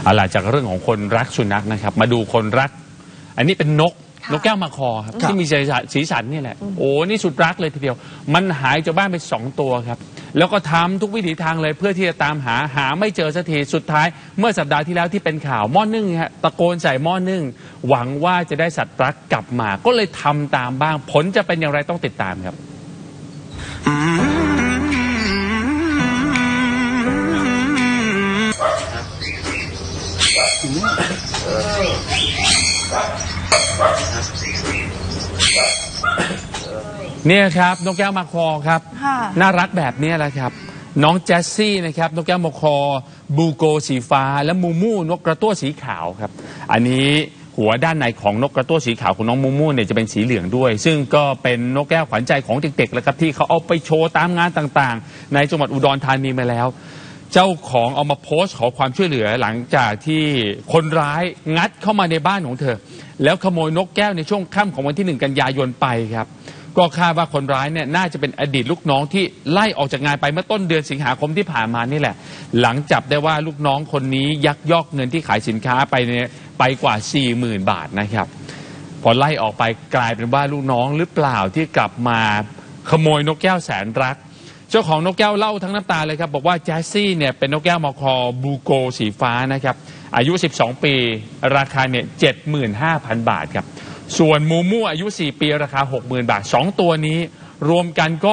หลังจากเรื่องของคนรักสุนัขนะครับมาดูคนรักอันนี้เป็นนกแก้วมาคอครับที่มีสีสันนี่แหละโอ้นี่สุดรักเลยทีเดียวมันหายจากบ้านไป2 ตัวครับแล้วก็ทำทุกวิถีทางเลยเพื่อที่จะตามหาไม่เจอสักทีสุดท้ายเมื่อสัปดาห์ที่แล้วที่เป็นข่าวหม้อนึ่งฮะตะโกนใส่หม้อนึ่งหวังว่าจะได้สัตว์รักกลับมาก็เลยทำตามบ้างผลจะเป็นอย่างไรต้องติดตามครับเนี่ยครับนกแก้วมาคอครับน่ารักแบบนี้แหละครับน้องแจสซี่นะครับนกแก้วมาคอบูโกสีฟ้าและมูมูนกกระตั้วสีขาวครับอันนี้หัวด้านในของนกกระตั้วสีขาวของน้องมูมูเนี่ยจะเป็นสีเหลืองด้วยซึ่งก็เป็นนกแก้วขวัญใจของเด็กๆแล้วครับที่เขาเอาไปโชว์ตามงานต่างๆในจังหวัดอุดรธานีมาแล้วเจ้าของเอามาโพสต์ขอความช่วยเหลือหลังจากที่คนร้ายงัดเข้ามาในบ้านของเธอแล้วขโมยนกแก้วในช่วงค่ำของวันที่1 กันยายนไปครับก็คาดว่าคนร้ายเนี่ยน่าจะเป็นอดีตลูกน้องที่ไล่ออกจากงานไปเมื่อต้นเดือนสิงหาคมที่ผ่านมานี่แหละหลังจับได้ว่าลูกน้องคนนี้ยักยอกเงินที่ขายสินค้าไปกว่า 40,000 บาทนะครับพอไล่ออกไปกลายเป็นว่าลูกน้องหรือเปล่าที่กลับมาขโมยนกแก้วแสนรักเจ้าของนกแก้วเล่าทั้งน้ำตาเลยครับบอกว่าแจสซี่เนี่ยเป็นนกแก้วมอคอบูโกสีฟ้านะครับอายุ12 ปีราคาเนี่ย 75,000 บาทครับส่วนมูมูอายุ4 ปีราคา 60,000 บาท2 ตัวนี้รวมกันก็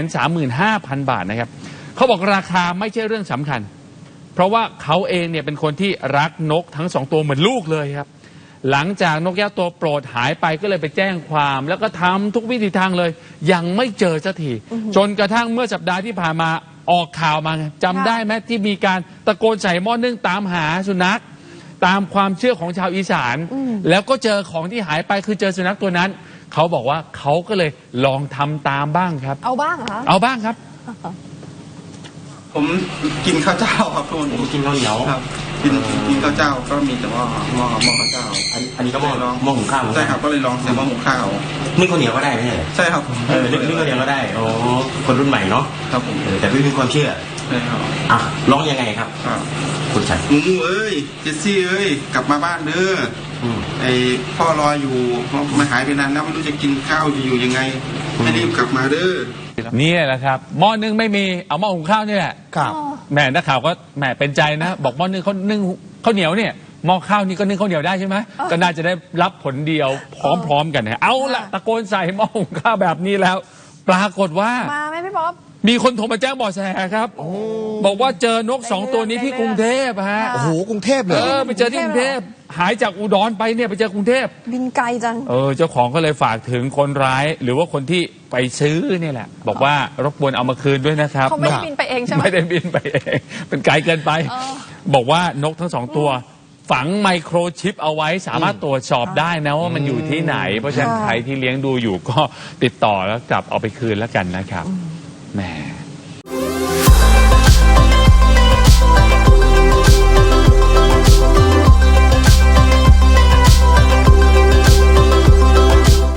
135,000 บาทนะครับเขาบอกราคาไม่ใช่เรื่องสำคัญเพราะว่าเขาเองเนี่ยเป็นคนที่รักนกทั้ง2 ตัวเหมือนลูกเลยครับหลังจากนกแก้วตัวโปรดหายไปก็เลยไปแจ้งความแล้วก็ทำทุกวิธีทางเลยยังไม่เจอสักทีจนกระทั่งเมื่อสัปดาห์ที่ผ่านมาออกข่าวมาจำได้ไหมที่มีการตะโกนใส่หม้อนึ่งตามหาสุนัขตามความเชื่อของชาวอีสานแล้วก็เจอของที่หายไปคือเจอสุนัขตัวนั้นเขาบอกว่าเขาก็เลยลองทำตามบ้างครับเอาบ้างเหรอเอาบ้างครับผมกินข้าวเจ้าครับทุกคนผมกินข้าวเหนียวครับกินข้าวเจ้าก็มีแต่ว่าหม้อข้าวเจ้าอันนี้ก็หม้อหุงข้าวใช่ครับก็เลยลองใส่หม้อหุงข้าวนึ่งข้าวเหนียวก็ได้ไหมใช่ครับนึ่งข้าวเหนียวก็ได้โอ้คนรุ่นใหม่เนาะครับผมแต่ไม่มีความเชื่อใช่ครับร้องยังไงครับคุณชัยมูเอ้ยเจสซี่เอ้ยกลับมาบ้านเด้อไอพ่อรออยู่มาหายไปนานแล้วไม่รู้จะกินข้าวจะอยู่ยังไงให้รีบกลับมาเด้อนี่แหละครับหม้อนึ่งไม่มีเอาหม้อหุงข้าวนี่แหละครับแม่นักข่าวก็แม่เป็นใจนะบอกหม้อนึ่งเขานึ่งข้าวเหนียวเนี่ยหม้อข้าวนี่ก็นึ่งข้าวเหนียวได้ใช่ไหมก็น่าจะได้รับผลเดียวพร้อมๆกันนะเอาละตะโกนใส่หม้อหุงข้าวแบบนี้แล้วปรากฏว่ามาไหมพี่ป๊อปมีคนโทรมาแจ้งเบาะแสครับบอกว่าเจอนก2 ตัวนี้ที่กรุงเทพฮะโอ้โหกรุงเทพเลยไปเจอที่กรุงเทพหายจากอุดรไปเนี่ยไปเจอกรุงเทพบินไกลจังเจ้าของก็เลยฝากถึงคนร้ายหรือว่าคนที่ไปซื้อนี่แหละบอกว่ารบกวนเอามาคืนด้วยนะครับเขาไม่ได้บินไปเองใช่ไหมไม่ได้บินไปเองเป็นไกลเกินไปบอกว่านกทั้ง2 ตัวฝังไมโครชิปเอาไว้สามารถตรวจสอบได้นะว่ามันอยู่ที่ไหนเพราะฉะนั้นใครที่เลี้ยงดูอยู่ก็ติดต่อแล้วกลับเอาไปคืนแล้วกันนะครับแหม